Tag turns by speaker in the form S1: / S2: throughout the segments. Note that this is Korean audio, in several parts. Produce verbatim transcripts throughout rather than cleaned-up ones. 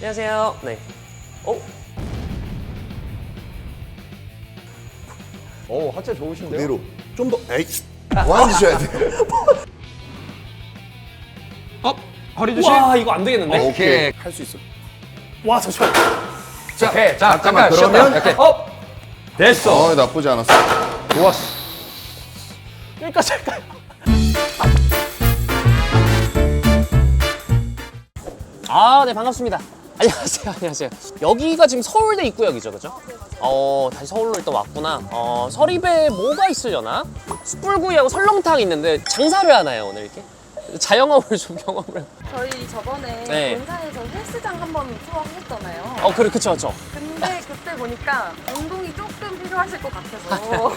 S1: 안녕하세요. 네. 어?
S2: 오, 하체 좋으신데요?
S3: 그대로 좀 더 에이 뭐 앉으셔야 돼요.
S2: 업! 허리 조심!
S1: 와, 이거 안 되겠는데?
S3: 어, 오케이.
S2: 오케이.
S3: 할 수 있어.
S1: 와, 잠시만.
S2: 자, 오케이. 자,
S3: 잠깐만,
S2: 잠깐
S3: 그러면-
S2: 쉬었다. 이렇게. 업! 됐어.
S3: 어, 나쁘지 않았어.
S2: 좋았어.
S1: 여기까지 할까요? 아, 네, 반갑습니다. 안녕하세요, 안녕하세요. 여기가 지금 서울대 입구역이죠, 그죠? 어, 다시 서울로 일단 왔구나. 어, 서립에 뭐가 있으려나? 숯불구이하고 설렁탕 있는데 장사를 하나요, 오늘 이렇게? 자영업을 좀 경험을.
S4: 저희 저번에
S1: 네.
S4: 본사에서 헬스장 한번 투어 하셨잖아요.
S1: 어, 그래, 그쵸, 그쵸.
S4: 근데 그때 보니까 운동이 조금 필요하실 것 같아서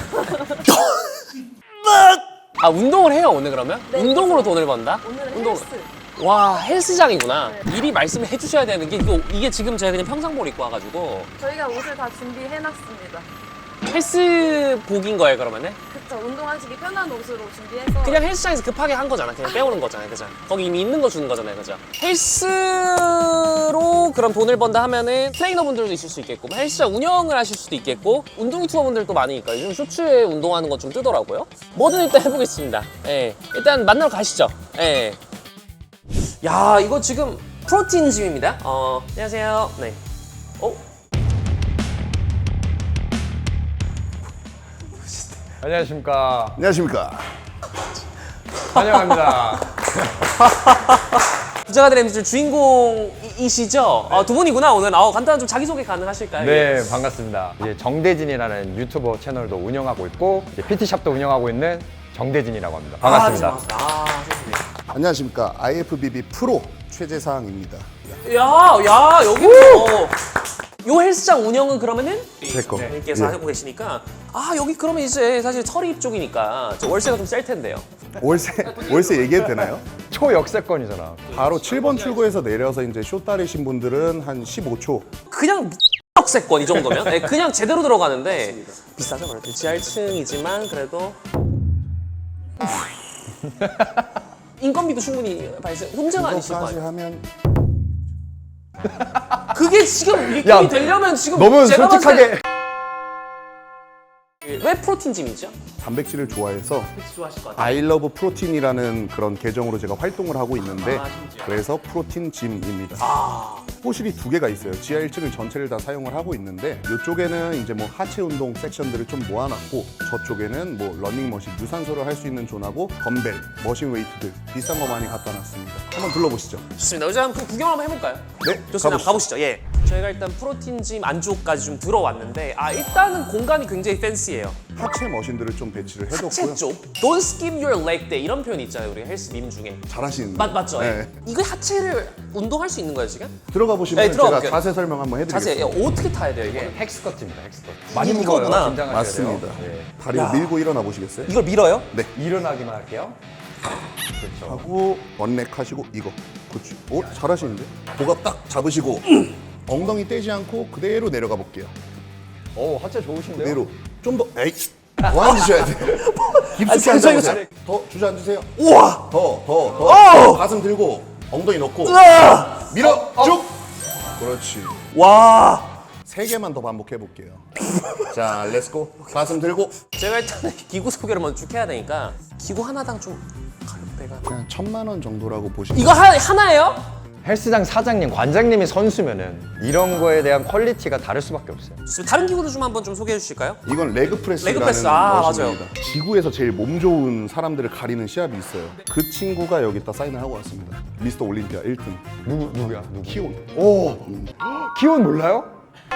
S1: 아, 운동을 해요, 오늘 그러면?
S4: 네,
S1: 운동으로 돈을 번다?
S4: 오늘은
S1: 운동.
S4: 헬스.
S1: 와, 헬스장이구나.
S4: 네.
S1: 미리 말씀을 해주셔야 되는 게 이거, 이게 지금 제가 그냥 평상복 입고 와가지고
S4: 저희가 옷을 다 준비해놨습니다.
S1: 헬스복인 거예요, 그러면은?
S4: 그쵸, 운동하시기 편한 옷으로 준비해서
S1: 그냥 헬스장에서 급하게 한 거잖아. 그냥 빼오는 거잖아요, 그죠? 거기 이미 있는 거 주는 거잖아요, 그죠? 헬스로 그럼 돈을 번다 하면은 트레이너분들도 있을 수 있겠고, 뭐 헬스장 운영을 하실 수도 있겠고, 운동 유튜버분들도 많으니까 요즘 쇼츠에 운동하는 거 좀 뜨더라고요. 뭐든 일단 해보겠습니다. 예, 일단 만나러 가시죠. 예. 야, 이거 지금 프로틴 짐입니다. 어, 안녕하세요. 네. 어?
S2: 안녕하십니까.
S3: 안녕하십니까.
S2: 환영합니다.
S1: 부자가 된 엠지 주인공이시죠? 어, 두 분이구나, 오늘. 어, 간단한 좀 자기소개 가능하실까요?
S2: 네, 반갑습니다. 이제 정대진이라는 유튜버 채널도 운영하고 있고, 이제 피티샵도 운영하고 있는 정대진이라고 합니다. 반갑습니다.
S1: 아, 아, 좋습니다.
S3: 안녕하십니까. 아이에프비비 프로 최재상입니다.
S1: 야, 야, 여기 뭐. 요 헬스장 운영은 그러면은
S3: 제 거.
S1: 님께서
S3: 예.
S1: 하고 계시니까 아, 여기 그러면 이제 사실 서립 쪽이니까 저 월세가 좀 셀 텐데요.
S3: 월세 월세 얘기해도 되나요?
S2: 초역세권이잖아.
S3: 바로 칠 번 출구에서 내려서 이제 쇼 따르신 분들은 한 십오 초.
S1: 그냥 억세권 이 정도면 네, 그냥 제대로 들어가는데 비싸죠, 그래도 지하 일 층이지만 그래도 인건비도 충분히 발생. 혼자가 아니실 거
S3: 이거까지
S1: 아니에요.
S3: 하면
S1: 그게 지금 일꾼이
S2: 야,
S1: 되려면 지금
S2: 너무
S1: 제가 봤을
S2: 솔직하게.
S1: 때 왜 프로틴 짐이죠?
S3: 단백질을 좋아해서
S1: 좋아하실 것 같아요.
S3: 아이러브 프로틴이라는 그런 계정으로 제가 활동을 하고 있는데
S1: 아, 심지어.
S3: 그래서 프로틴 짐입니다.
S1: 아,
S3: 호실이 두 개가 있어요. 지하 일 층을 전체를 다 사용을 하고 있는데 이쪽에는 이제 뭐 하체 운동 섹션들을 좀 모아놨고 저쪽에는 뭐 러닝머신, 유산소를 할 수 있는 존하고 덤벨, 머신 웨이트들 비싼 거 많이 갖다 놨습니다. 한번 둘러보시죠.
S1: 좋습니다. 이제 한번 구경 한번 해볼까요?
S3: 네,
S1: 좋습니다.
S3: 가보시죠.
S1: 가보시죠. 예. 저희가 일단 프로틴 짐 안쪽까지 좀 들어왔는데 아, 일단은 공간이 굉장히 팬시해요.
S3: 하체 머신들을 좀 배치를 해뒀고요.
S1: 하체 쪽. Don't skip your leg day 이런 표현이 있잖아요, 우리가 헬스 밈 중에.
S3: 잘하시는데.
S1: 맞, 맞죠?
S3: 네.
S1: 예. 이거 하체를 운동할 수 있는 거예요, 지금?
S3: 들어가 보시면
S1: 네, 들어가
S3: 제가
S1: 볼게요.
S3: 자세 설명 한번
S1: 자세
S3: 해드리겠습니다.
S1: 예, 어떻게 타야 돼요, 이게?
S2: 헥스커트입니다, 헥스커트.
S1: 많이 무거워요.
S2: 긴장하셔야
S3: 맞습니다.
S2: 돼요. 네.
S3: 다리를 밀고 일어나 보시겠어요?
S1: 이걸 밀어요?
S3: 네.
S2: 일어나기만 할게요. 그렇죠.
S3: 하고 원렉 하시고 이거. 그렇지. 오, 잘하시는데? 복압 딱 잡으시고 엉덩이 떼지 않고 그대로 내려가 볼게요.
S2: 오, 하체 좋으신데요?
S3: 그대로 좀 더 에이 뭐 앉으셔야 돼요. 깊숙이
S1: 아, 저 이거
S3: 앉아보세요. 더 주저앉으세요.
S1: 우와!
S3: 더, 더, 더. 가슴 들고 엉덩이 넣고 밀어 쭉. 그렇지.
S1: 와!
S3: 세 개만 더 반복해 볼게요. 자, 렛츠고. 가슴 들고
S1: 제가 일단은 기구 소개를 먼저 쭉 해야 되니까 기구 하나당 좀 가격대가
S3: 그냥 천만 원 정도라고 보시면.
S1: 이거 하, 하나예요?
S2: 헬스장 사장님, 관장님이 선수면은 이런 거에 대한 퀄리티가 다를 수밖에 없어요.
S1: 다른 기구도 좀 한번 좀 소개해 주실까요?
S3: 이건 레그 프레스라는
S1: 레그 프레스, 아,
S3: 머신입니다. 지구에서 제일 몸 좋은 사람들을 가리는 시합이 있어요. 그 친구가 여기다 사인을 하고 왔습니다. 미스터 올림피아 일 등
S2: 누구, 누구야? 누구?
S3: 키온.
S2: 오! 키온 몰라요?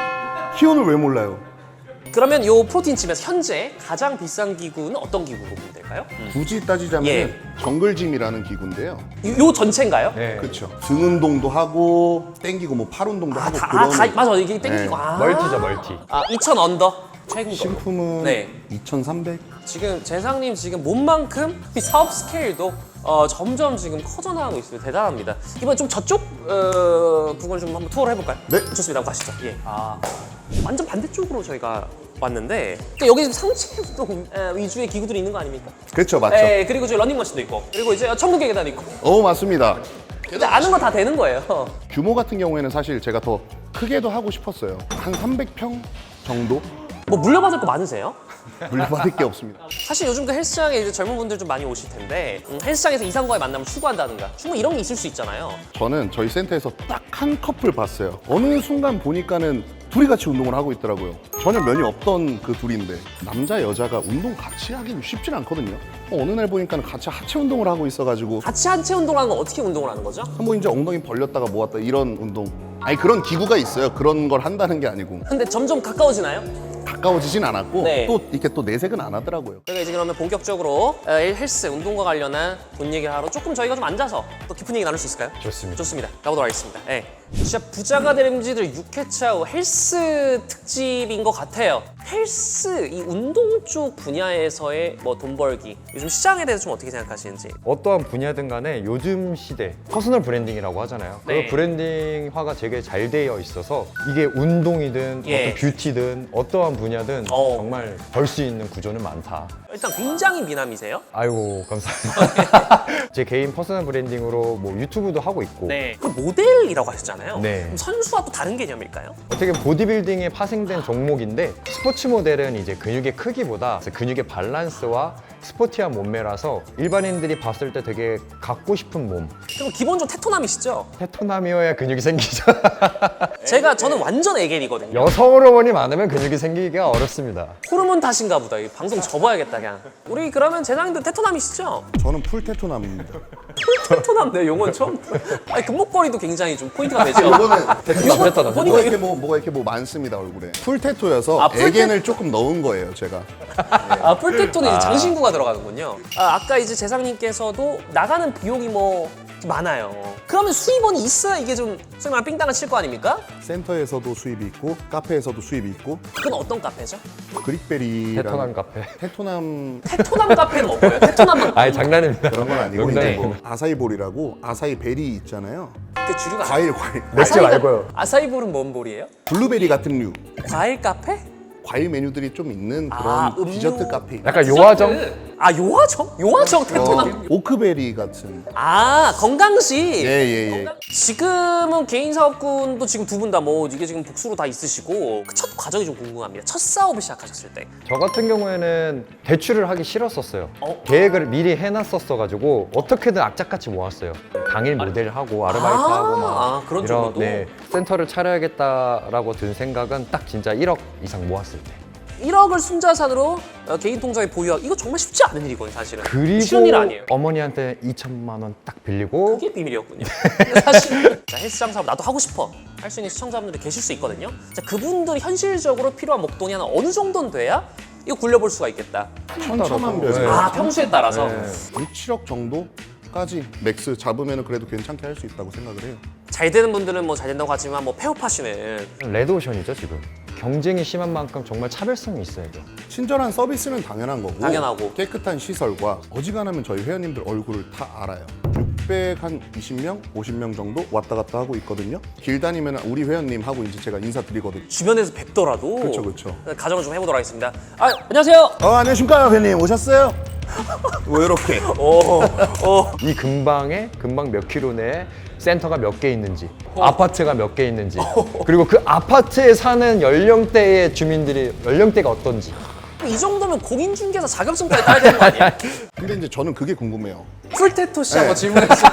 S3: 키온을 왜 몰라요?
S1: 그러면 요 프로틴 집에서 현재 가장 비싼 기구는 어떤 기구로 보면 될까요?
S3: 굳이 따지자면
S1: 예.
S3: 정글짐이라는 기구인데요.
S1: 요, 요 전체인가요?
S2: 네.
S3: 그렇죠. 등 운동도 하고 땡기고 뭐 팔 운동도
S1: 아,
S3: 하고
S1: 다, 아,
S3: 그런
S1: 다, 맞아. 이게 땡기고.
S3: 네.
S1: 아.
S2: 멀티죠, 멀티.
S1: 아, 이천 언더. 최근 거.
S3: 신품은
S1: 네.
S3: 이천삼백.
S1: 지금 재상님 지금 몸만큼 이 사업 스케일도 어, 점점 지금 커져나가고 있어요. 대단합니다. 이번 좀 저쪽 어, 부분 좀 한번 투어를 해볼까요?
S3: 네.
S1: 좋습니다. 가시죠. 예. 아, 완전 반대쪽으로 저희가 왔는데 그러니까 여기 지금 상체 운동 어, 위주의 기구들이 있는 거 아닙니까?
S3: 그렇죠, 맞죠.
S1: 네. 그리고 저 러닝머신도 있고 그리고 이제 천국의 계단 있고
S3: 어, 맞습니다.
S1: 근데 아는 거 다 되는 거예요.
S3: 규모 같은 경우에는 사실 제가 더 크게도 하고 싶었어요. 한 삼백 평 정도?
S1: 뭐 물려받을 거 많으세요?
S3: 물려받을 게 없습니다.
S1: 사실 요즘 그 헬스장에 이제 젊은 분들 좀 많이 오실 텐데 음, 헬스장에서 이상과의 만남을 추구한다든가 충분히 이런 게 있을 수 있잖아요.
S3: 저는 저희 센터에서 딱 한 커플 봤어요. 어느 순간 보니까는 둘이 같이 운동을 하고 있더라고요. 전혀 면이 없던 그 둘인데 남자 여자가 운동 같이 하긴 쉽진 않거든요. 어, 어느 날 보니까는 같이 하체 운동을 하고 있어가지고
S1: 같이 한체 운동하는 건 어떻게 운동을 하는 거죠?
S3: 뭐 이제 엉덩이 벌렸다가 모았다 이런 운동. 아니 그런 기구가 있어요. 그런 걸 한다는 게 아니고
S1: 근데 점점 가까워지나요?
S3: 가까워지진 않았고
S1: 네.
S3: 또 이렇게 또 내색은 안 하더라고요.
S1: 저희가 이제 그러면 본격적으로 어, 헬스, 운동과 관련한 돈 얘기를 하러 조금 저희가 좀 앉아서 또 깊은 얘기 나눌 수 있을까요?
S2: 좋습니다.
S1: 좋습니다. 가보도록 하겠습니다. 네. 진짜 부자가 될 엠지들 육 회차 후 헬스 특집인 것 같아요. 헬스, 이 운동 쪽 분야에서의 뭐 돈 벌기, 요즘 시장에 대해서 좀 어떻게 생각하시는지.
S2: 어떠한 분야든 간에 요즘 시대 퍼스널 브랜딩이라고 하잖아요.
S1: 네.
S2: 그 브랜딩화가 되게 잘 되어 있어서 이게 운동이든
S1: 예.
S2: 어떤 뷰티든 어떠한 분야든
S1: 어.
S2: 정말 벌 수 있는 구조는 많다.
S1: 일단 굉장히 미남이세요.
S2: 아이고 감사합니다. 제 개인 퍼스널 브랜딩으로 뭐 유튜브도 하고 있고
S1: 네. 그 모델이라고 하셨잖아요.
S2: 네.
S1: 그럼 선수와 또 다른 개념일까요?
S2: 어떻게 보면 보디빌딩에 파생된 종목인데 스포츠 모델은 이제 근육의 크기보다 근육의 밸런스와 스포티한 몸매라서 일반인들이 봤을 때 되게 갖고 싶은 몸.
S1: 그럼 기본적으로 테토남이시죠?
S2: 테토남이어야 근육이 생기죠.
S1: 제가 저는 완전 애견이거든요.
S2: 여성 호르몬이 많으면 근육이 생기기가 어렵습니다.
S1: 호르몬 탓인가 보다. 이 방송 접어야겠다 그냥. 우리 그러면 제장님들 테토남이시죠?
S3: 저는 풀 테토남입니다.
S1: 테토남 내 용어는 처음. 아니 금목걸이도 굉장히 좀 포인트가 되죠.
S3: 이거는
S2: 테토남, 테토남.
S1: 보니까
S3: 뭐가
S1: 이거
S3: 이렇게 뭐 뭐가 이렇게 뭐 많습니다 얼굴에. 풀 테토여서
S1: 아, 풀
S3: 애견을 조금 넣은 거예요 제가.
S1: 아, 풀테토는 이제 장신구가 들어가는군요. 아, 아까 이제 재상님께서도 나가는 비용이 뭐 많아요. 그러면 수입원이 있어야 이게 좀 소위 말하면 삥땅을 칠 거 아닙니까?
S3: 센터에서도 수입이 있고 카페에서도 수입이 있고
S1: 그건 어떤 카페죠?
S3: 그릭베리라는
S2: 테토남 카페.
S3: 테토남
S1: 테토남 카페는 뭐예요? 테토남은
S2: 아니 장난입니다.
S3: 그런 건 아니고
S2: 농담이에요.
S3: 이제 뭐 아사이볼이라고 아사이베리 있잖아요.
S1: 그 주류가
S3: 과일 과일.
S2: 맥주
S1: 아사히가-
S2: 말고요.
S1: 아사이볼은 뭔 볼이에요?
S3: 블루베리 같은 류.
S1: 과일 카페?
S3: 과일 메뉴들이 좀 있는 그런
S1: 아, 음료.
S3: 디저트 카페.
S2: 약간 요화정?
S1: 아 요화정? 요화정 테토남.
S3: 어, 오크베리 같은.
S1: 아 건강식.
S3: 예예 예.
S1: 지금은 개인 사업군도 지금 두 분 다 뭐 이게 지금 복수로 다 있으시고 그 첫 과정이 좀 궁금합니다. 첫 사업을 시작하셨을 때.
S2: 저 같은 경우에는 대출을 하기 싫었었어요.
S1: 어?
S2: 계획을 미리 해놨었어가지고 어떻게든 악착같이 모았어요. 당일 모델하고 아르바이트하고 막
S1: 아, 그런 쪽으로도?
S2: 네, 센터를 차려야겠다라고 든 생각은 딱 진짜 일억 이상 모았을 때.
S1: 일억을 순자산으로 어, 개인 통장에 보유하고 이거 정말 쉽지 않은 일이거든요 사실은.
S2: 그리고
S1: 쉬운 일 아니에요.
S2: 어머니한테 이천만 원 딱 빌리고
S1: 그게 비밀이었군요. 근데 사실 자, 헬스장 사업 나도 하고 싶어 할 수 있는 시청자분들이 계실 수 있거든요. 자, 그분들이 현실적으로 필요한 목돈이 한 어느 정도는 돼야 이거 굴려볼 수가 있겠다.
S3: 천차만별.
S2: 네.
S1: 아 평소에 따라서.
S2: 네.
S3: 육, 칠억 정도까지 맥스 잡으면 그래도 괜찮게 할 수 있다고 생각을 해요.
S1: 잘 되는 분들은 뭐 잘 된다고 하지만 뭐 폐업하시는
S2: 레드오션이죠 지금. 경쟁이 심한 만큼 정말 차별성이 있어야죠.
S3: 친절한 서비스는 당연한 거고
S1: 당연하고.
S3: 깨끗한 시설과 어지간하면 저희 회원님들 얼굴을 다 알아요. 육백이십 명, 오십 명 정도 왔다 갔다 하고 있거든요. 길 다니면 우리 회원님하고 이제 제가 인사드리거든요.
S1: 주변에서 뵙더라도
S3: 그쵸, 그쵸.
S1: 가정을 좀 해보도록 하겠습니다. 아 안녕하세요.
S3: 어, 안녕하십니까 회원님 오셨어요? 뭐 이렇게
S1: 오, 오.
S2: 이 근방에 근방 몇 킬로 내에 센터가 몇 개 있는지, 아파트가 몇 개 있는지, 그리고 그 아파트에 사는 연령대의 주민들이 연령대가 어떤지.
S1: 이 정도면 공인중개사 자격증까지 따야 되는 거 아니에요?
S3: 근데 이제 저는 그게 궁금해요.
S1: 풀테토 씨 한번
S3: 네.
S1: 질문해주세요.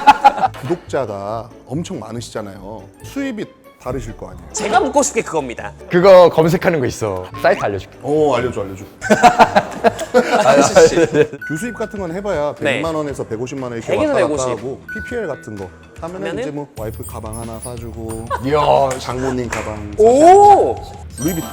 S3: 구독자가 엄청 많으시잖아요. 수입이 다르실 거 아니에요?
S1: 제가 묻고 싶게 그겁니다.
S2: 그거 검색하는 거 있어. 사이트 알려줄게.
S3: 어 알려줘 알려줘.
S1: 아저씨.
S3: 교수입 같은 건 해봐야
S1: 네.
S3: 백만 원에서 백오십만 원 이렇게
S1: 백에서
S3: 왔다 갔다
S1: 백오십.
S3: 하고 피피엘 같은 거 하면은
S1: 하면은?
S3: 이제 뭐 와이프 가방 하나 사주고
S2: 이야.
S3: 장모님 가방
S1: 오!
S3: 루이비통.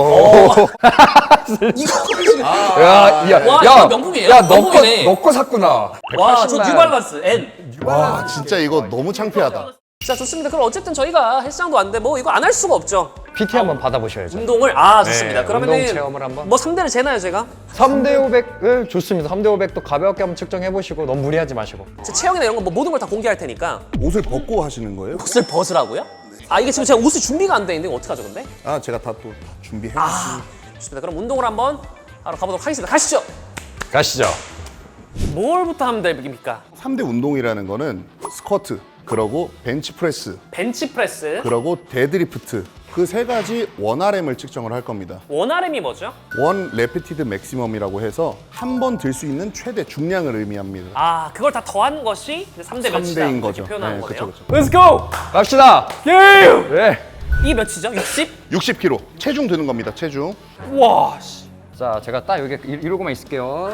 S1: 이거
S2: 야, 야,
S1: 와,
S2: 야,
S1: 이거 명품이에요?
S2: 야, 너 거,
S1: 명품이네.
S2: 너 거 샀구나.
S1: 와, 저
S2: 백팔십만.
S1: 뉴발란스 N.
S3: 와 진짜 이거 너무 창피하다.
S1: 자, 좋습니다. 그럼 어쨌든 저희가 헬스장도 안 돼. 뭐 이거 안 할 수가 없죠.
S2: 피티 한번 받아보셔야죠.
S1: 운동을 아, 좋습니다.
S2: 네,
S1: 그러면은
S2: 운동 체험을 한번.
S1: 뭐 상대를 재나요, 제가?
S2: 삼 대 오백을 좋습니다. 삼 대 오백도 가볍게 한번 측정해보시고 너무 무리하지 마시고.
S1: 제 체형이나 이런 거 뭐 모든 걸 다 공개할 테니까
S3: 옷을 벗고 하시는 거예요?
S1: 옷을 벗으라고요? 아, 이게 지금 제가 옷을 준비가 안 돼 있는데 어떡하죠, 근데?
S3: 아 제가 다 또 준비해.
S1: 아, 좋습니다. 그럼 운동을 한번 하러 가보도록 하겠습니다. 가시죠.
S2: 가시죠.
S1: 뭘부터 하면 됩니까?
S3: 삼 대 운동이라는 거는 스쿼트, 그러고 벤치프레스,
S1: 벤치프레스.
S3: 그러고 데드리프트. 그 세 가지 원 알엠을 측정을 할 겁니다.
S1: 원 알엠이 뭐죠?
S3: 원 레피티드 맥시멈이라고 해서 한 번 들 수 있는 최대 중량을 의미합니다.
S1: 아, 그걸 다 더한 것이 삼 대 몇이다.
S3: 삼 대인 거죠.
S1: 이렇게 표현하는
S3: 네,
S1: 거네요.
S3: 그쵸,
S1: Let's go!
S2: 갑시다.
S1: 예!
S2: 네.
S1: 이게 몇이죠? 육십?
S3: 육십 킬로그램. 체중 드는 겁니다. 체중.
S1: 와, 씨.
S2: 자, 제가 딱 여기 이- 이러고만 있을게요.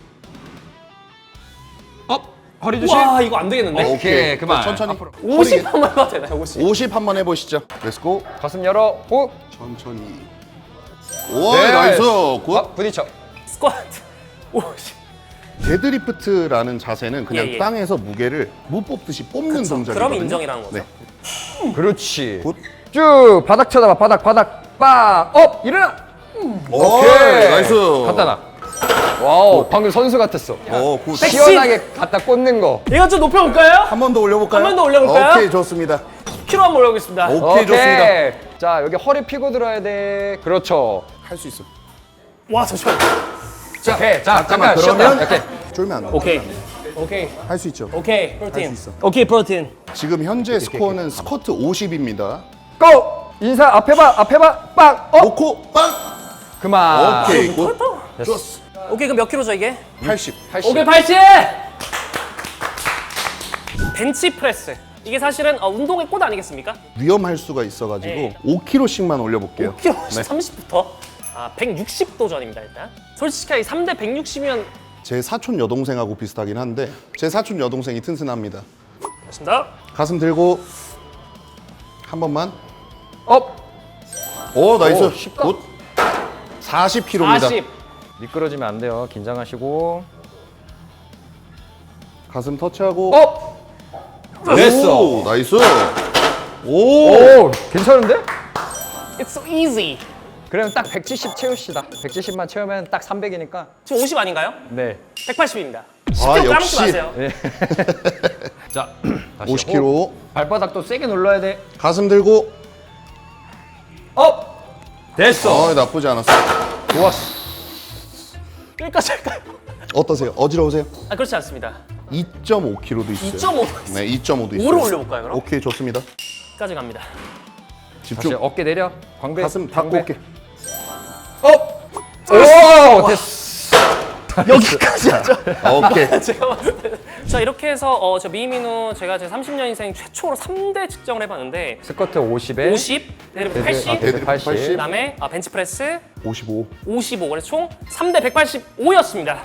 S2: 업. 허리 조심.
S1: 와, 이거 안 되겠는데?
S3: 어,
S2: 오케이, 그만.
S3: 천천히.
S2: 앞으로.
S1: 오십 한번 해봐도 되나요? 오십.
S3: 오십 한번 해보시죠. 렛츠고.
S2: 가슴 열어. 호.
S3: 천천히. 오,
S2: 네.
S3: 나이스. 굿.
S2: 어, 부딪혀.
S1: 스쿼트. 오십.
S3: 데드리프트라는 자세는 그냥
S1: 예, 예.
S3: 땅에서 무게를 무 뽑듯이 뽑는
S1: 그쵸,
S3: 동작이거든요.
S1: 그럼 인정이라는 거죠.
S3: 네.
S2: 그렇지.
S3: 굿.
S2: 쭉 바닥 쳐다봐. 바닥, 바닥. 빡. 업. 일어나.
S3: 오케이. 나이스.
S2: 갖다 놔. 와우, 방금 선수 같았어.
S3: 오, 굿.
S1: 섹시.
S2: 시원하게 갖다 꽂는 거.
S1: 이거 좀 높여볼까요?
S3: 한 번 더 올려볼까요?
S1: 한번더 올려볼까요?
S3: 오케이, 좋습니다.
S1: 십 킬로그램 한번 올려보겠습니다.
S3: 오케이, 좋습니다.
S2: 자, 여기 허리 피고 들어야 돼. 그렇죠.
S3: 할 수 있어.
S1: 와, 잠시만.
S2: 자, 오케이. 자,
S3: 잠깐만,
S2: 잠깐
S3: 그러면
S2: 쉬었다. 이렇게.
S3: 쫄면 안 돼.
S1: 오케이. 오케이.
S3: 할 수 있죠.
S1: 오케이.
S3: 할
S1: 프로틴.
S3: 수 있어.
S1: 오케이, 프로틴.
S3: 지금 현재 스코어는 스쿼트 오십입니다.
S2: 고! 인사 앞에 봐. 앞에 봐. 빡. 업.
S3: 놓고 빵!
S2: 그만.
S3: 오케이, 굿.
S2: 됐어.
S1: 오케이, 그럼 몇 킬로죠, 이게?
S3: 팔십.
S2: 팔십.
S1: 오케이, 팔십! 벤치프레스. 이게 사실은 어, 운동의 꽃 아니겠습니까?
S3: 위험할 수가 있어가지고
S1: 네.
S3: 오 킬로그램씩만 올려볼게요.
S1: 오 킬로그램
S3: 네.
S1: 삼십부터. 아, 백육십 도전입니다, 일단. 솔직하게 삼 대 백육십이면
S3: 제 사촌 여동생하고 비슷하긴 한데 제 사촌 여동생이 튼튼합니다.
S1: 됐습니다.
S3: 가슴 들고 한 번만.
S2: 업.
S3: 오, 나이스.
S2: 오, 쉽다.
S3: 굿. 사십 킬로그램입니다.
S1: 사십.
S2: 미끄러지면 안 돼요. 긴장하시고.
S3: 가슴 터치하고.
S2: 업. 됐어.
S3: 오, 나이스. 오.
S2: 오, 괜찮은데?
S1: It's so easy.
S2: 그러면 딱 백칠십 채웁시다. 백칠십만 채우면 딱 삼백이니까.
S1: 지금 오십 아닌가요?
S2: 네.
S1: 백팔십입니다.
S3: 아,
S1: 십 킬로그램
S3: 역시.
S1: 까먹지 마세요.
S2: 자, 다시.
S3: 오십 킬로그램.
S2: 호. 발바닥도 세게 눌러야 돼.
S3: 가슴 들고.
S2: 업. 됐어.
S3: 어, 나쁘지 않았어.
S2: 좋았어.
S1: 여기까지 할까요?
S3: 어떠세요? 어지러우세요?
S1: 아, 그렇지 않습니다.
S3: 이 점 오 킬로그램도 있어요.
S1: 이 점 오.
S3: 네, 이 점 오도 있어요.
S1: 오를 올려볼까요, 그럼?
S3: 오케이, 좋습니다.
S1: 여기까지 갑니다.
S2: 다시
S3: 집중.
S2: 어깨 내려. 광배.
S3: 가슴 닫고
S2: 광배.
S3: 올게.
S2: 업. 오, 됐어.
S1: 여기까지 하죠.
S3: 오케이.
S1: 제가 봤을 때. 자, 이렇게 해서 어, 저 미민우 제가 제 삼십 년 인생 최초로 삼 대 측정을 해봤는데
S2: 스쿼트 오십에
S1: 오십, 데드리프트
S2: 데드-
S1: 팔십,
S2: 아, 데드 팔십.
S3: 팔십.
S1: 그다음에 아, 벤치프레스
S3: 오십오.
S1: 오십오. 그래서 총 삼 대 백팔십오였습니다.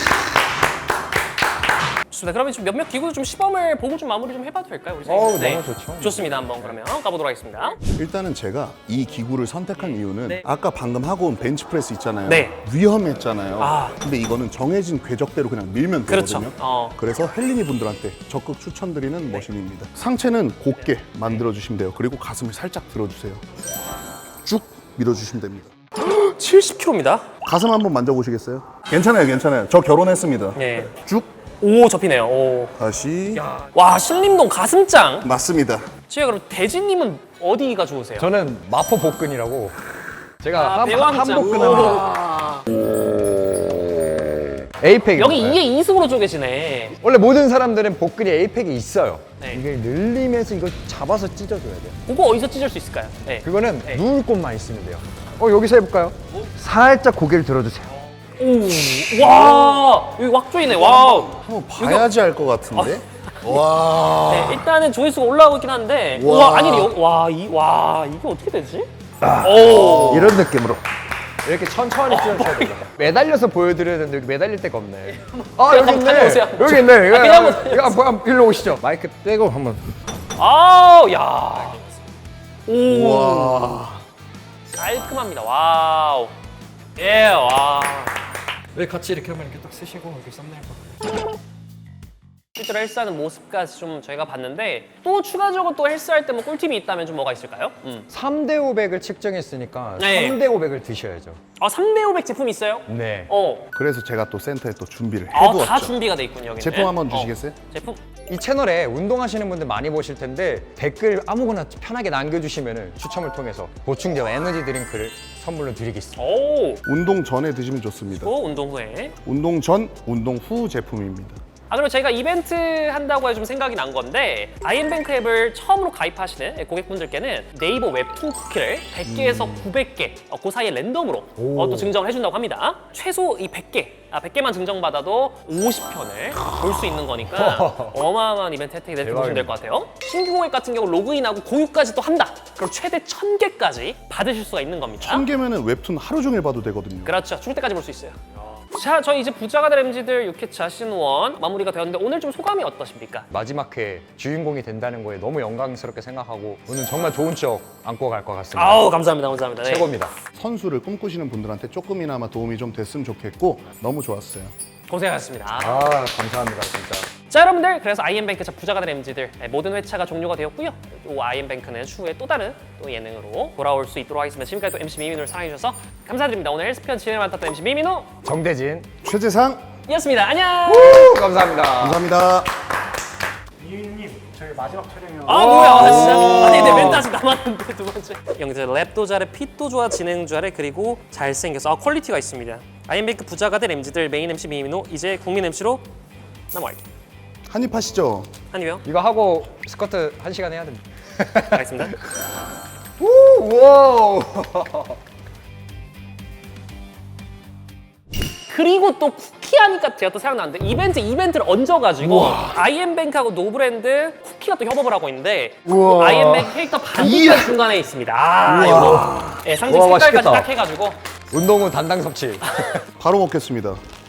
S1: 좋습니다. 그러면 좀 몇몇 기구 좀 시범을 보고 좀 마무리 좀 해봐도 될까요? 우리
S2: 어우,
S1: 선생님?
S2: 너무 좋죠.
S1: 좋습니다. 한번 그러면 가보도록 하겠습니다.
S3: 일단은 제가 이 기구를 선택한 이유는
S1: 네.
S3: 아까 방금 하고 온 벤치프레스 있잖아요.
S1: 네.
S3: 위험했잖아요.
S1: 아.
S3: 근데 이거는 정해진 궤적대로 그냥 밀면
S1: 그렇죠.
S3: 되거든요.
S1: 어.
S3: 그래서 헬린이 분들한테 적극 추천드리는 머신입니다. 상체는 곧게 만들어 주시면 돼요. 그리고 가슴을 살짝 들어주세요. 쭉 밀어주시면 됩니다.
S1: 칠십 킬로그램입니다.
S3: 가슴 한번 만져보시겠어요? 괜찮아요, 괜찮아요. 저 결혼했습니다.
S1: 네.
S3: 쭉
S1: 오, 접히네요. 오.
S3: 다시
S1: 와, 신림동 가슴짱.
S3: 맞습니다.
S1: 제가 그럼 대진님은 어디가 좋으세요?
S2: 저는 마포 복근이라고. 제가
S1: 아,
S2: 한,
S1: 배왕짱.
S2: 한복근 하면
S1: 오.
S2: 에이펙.
S1: 여기 이에 이승으로 쪼개지네.
S2: 원래 모든 사람들은 복근이 에이펙이 있어요.
S1: 네.
S2: 이게 늘리면서 이거 잡아서 찢어줘야 돼요.
S1: 그거 어디서 찢을 수 있을까요? 네.
S2: 그거는
S1: 네.
S2: 누울 곳만 있으면 돼요. 어, 여기서 해볼까요? 살짝 고개를 들어주세요.
S1: 오, 와, 여기 왁 조이네. 와우.
S3: 한번 봐야지 알 것 같은데. 와.
S1: 네, 일단은 조회수가 올라가고 있긴 한데,
S3: 와.
S1: 와, 아니, 여, 와, 이, 와, 이게 어떻게 되지? 오,
S3: 이런 느낌으로.
S2: 이렇게 천천히 찢어줘야 돼요. 매달려서 보여드려야 되는데 여기 매달릴 데가 없네. 아, 여기
S1: 한번
S2: 있네.
S1: 다녀오세요.
S2: 여기 있네.
S1: 아, 그냥 한번
S2: 이거 한번 한번 일로 오시죠. 마이크 떼고 한번.
S1: 아우, 야, 오,
S3: 와.
S1: 깔끔합니다. 와우, 예, 와.
S2: 왜 같이 이렇게 하면 이렇게 딱 쓰시고 이렇게 썸네일 봐.
S1: 실제로 헬스하는 모습까지 좀 저희가 봤는데 또 추가적으로 또 헬스할 때 뭐 꿀팁이 있다면 좀 뭐가 있을까요? 음.
S2: 삼 대 오백을 측정했으니까
S1: 네.
S2: 삼 대 오백을 드셔야죠.
S1: 아, 삼 대 오백 제품 있어요?
S2: 네.
S1: 어,
S3: 그래서 제가 또 센터에 또 준비를
S1: 아,
S3: 해두었죠.
S1: 다 준비가 돼 있군요. 여기는.
S3: 제품 한번
S1: 어,
S3: 주시겠어요?
S1: 제품?
S2: 이 채널에 운동하시는 분들 많이 보실 텐데 댓글 아무거나 편하게 남겨주시면 추첨을 통해서 보충제와 에너지 드링크를 선물로 드리겠습니다.
S1: 오,
S3: 운동 전에 드시면 좋습니다.
S1: 또 운동 후에.
S3: 운동 전, 운동 후 제품입니다.
S1: 아, 그리고 저희가 이벤트 한다고 해서 좀 생각이 난 건데 아이엠뱅크 앱을 처음으로 가입하시는 고객분들께는 네이버 웹툰 쿠키를 백 개에서 구백 개, 어, 그 사이에 랜덤으로 어, 또 증정을 해준다고 합니다. 최소 이 백 개, 아, 백 개만 증정받아도 오십 편을 볼 수 있는 거니까 어마어마한 이벤트 혜택이 될 때 보시면 될 것 같아요. 신규 고객 같은 경우 로그인하고 공유까지 또 한다. 그럼 최대 천 개까지 받으실 수가 있는 겁니다.
S3: 천 개면은 웹툰 하루 종일 봐도 되거든요.
S1: 그렇죠. 죽을 때까지 볼 수 있어요. 자, 저희 이제 부자가 될 엠지들 육 회차 시즌 일 마무리가 되었는데 오늘 좀 소감이 어떠십니까?
S2: 마지막 회 주인공이 된다는 거에 너무 영광스럽게 생각하고 오늘 정말 좋은 추억 안고 갈 것 같습니다.
S1: 아우, 감사합니다. 감사합니다. 네.
S2: 최고입니다.
S3: 선수를 꿈꾸시는 분들한테 조금이나마 도움이 좀 됐으면 좋겠고 너무 좋았어요.
S1: 고생하셨습니다.
S2: 아, 감사합니다, 진짜.
S1: 자, 여러분들, 그래서 아이엠뱅크 차 부자가 될 엠지들 모든 회차가 종료가 되었고요. 이 아이엠뱅크는 추후에 또 다른 또 예능으로 돌아올 수 있도록 하겠습니다. 지금까지 또 엠씨 미민우를 사랑해주셔서 감사드립니다. 오늘 헬스편 진행을 맡았던 엠씨 미민우
S2: 정대진.
S3: 최재상
S1: 이었습니다. 안녕.
S2: 우, 감사합니다.
S3: 감사합니다.
S5: 이윤님 저희 마지막 촬영이요.
S1: 아, 뭐야, 진짜. 아니, 내 멘트 아직 남았는데, 두 번째. 영재 랩도 잘해, 핏도 좋아, 진행 잘해, 그리고 잘생겨서. 아, 퀄리티가 있습니다. 아이엠뱅크 부자가 될 엠지들 메인 엠씨 미민우, 이제 국민 엠씨로 넘어갈게요.
S3: 한입 하시죠.
S1: 한입요.
S2: 이거 하고 스쿼트 한 시간 해야 됩니다.
S1: 가겠습니다.
S2: 우, 와우.
S1: 그리고 또 쿠키 하니까 제가 또 생각나는데 이벤트 이벤트를 얹어가지고 아이엠뱅크하고 노브랜드 쿠키가 또 협업을 하고 있는데 아이엠뱅크 캐릭터 반지가 중간에 있습니다. 아, 이거 네, 상징
S2: 우와,
S1: 색깔까지
S2: 맛있겠다.
S1: 딱 해가지고
S2: 운동 후 단당 섭취.
S3: 바로 먹겠습니다.